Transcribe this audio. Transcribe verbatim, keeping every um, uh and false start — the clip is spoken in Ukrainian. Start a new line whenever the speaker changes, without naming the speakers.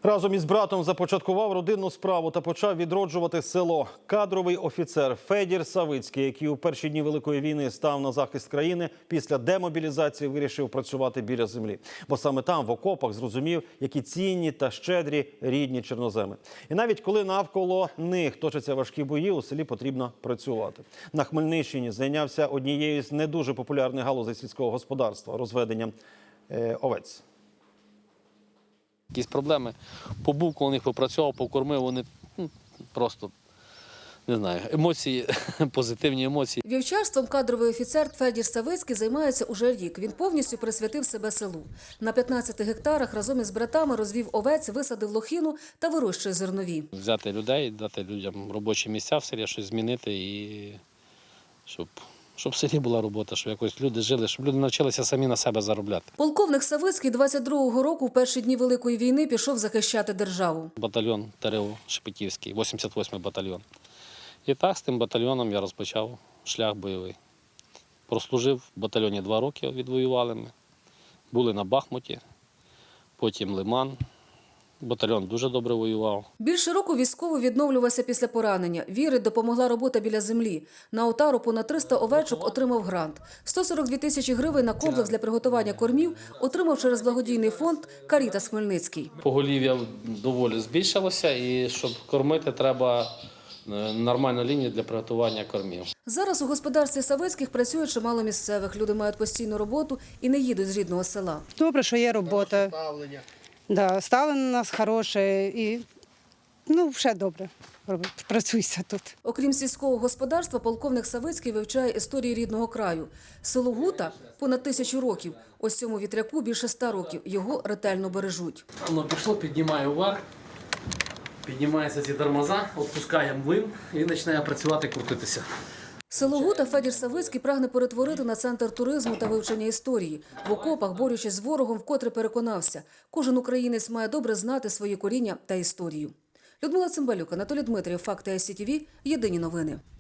Разом із братом започаткував родинну справу та почав відроджувати село. Кадровий офіцер Федір Савицький, який у перші дні Великої війни став на захист країни, після демобілізації вирішив працювати біля землі. Бо саме там, в окопах, зрозумів, які цінні та щедрі рідні чорноземи. І навіть коли навколо них точаться важкі бої, у селі потрібно працювати. На Хмельниччині зайнявся однією з не дуже популярних галузей сільського господарства – розведенням е, овець.
Якісь проблеми. Побув, коли них попрацював, покормив, вони ну, просто, не знаю, емоції, позитивні емоції.
Вівчарством кадровий офіцер Федір Савицький займається уже рік. Він повністю присвятив себе селу. На п'ятнадцяти гектарах разом із братами розвів овець, висадив лохину та вирощує зернові.
Взяти людей, дати людям робочі місця в селі, щось змінити і щоб... Щоб в селі була робота, щоб якось люди жили, щоб люди навчилися самі на себе заробляти.
Полковник Савицький двадцять другого року в перші дні Великої війни пішов захищати державу.
Батальйон ТРО Шепетівський, вісімдесят восьмий батальйон. І так з тим батальйоном я розпочав шлях бойовий. Прослужив в батальйоні два роки, відвоювали ми. Були на Бахмуті, потім Лиман. Батальйон дуже добре воював.
Більше року військовий відновлювався після поранення. Вірить, допомогла робота біля землі. На отару понад триста овечок отримав грант. сто сорок дві тисячі гривень на комплекс для приготування кормів отримав через благодійний фонд «Карітас Хмельницький».
Поголів'я доволі збільшилося, і щоб кормити, треба нормальну лінію для приготування кормів.
Зараз у господарстві Савицьких працює чимало місцевих. Люди мають постійну роботу і не їдуть з рідного села.
Добре, що є робота. Да, ставлення у нас хороше і, ну, все добре, працюйся тут.
Окрім сільського господарства, полковник Савицький вивчає історії рідного краю. Село Гута – понад тисячу років. Ось цьому вітряку більше ста років. Його ретельно бережуть.
Воно пішло, піднімає вверх, піднімаються ці тормоза, відпускаємо вим і починає працювати, крутитися.
Село Гута Федір Савицький прагне перетворити на центр туризму та вивчення історії. В окопах, борючись з ворогом, вкотре переконався – кожен українець має добре знати свої коріння та історію. Людмила Цимбалюк, Анатолій Дмитрієв, Факти ай сі ті ві, Єдині новини.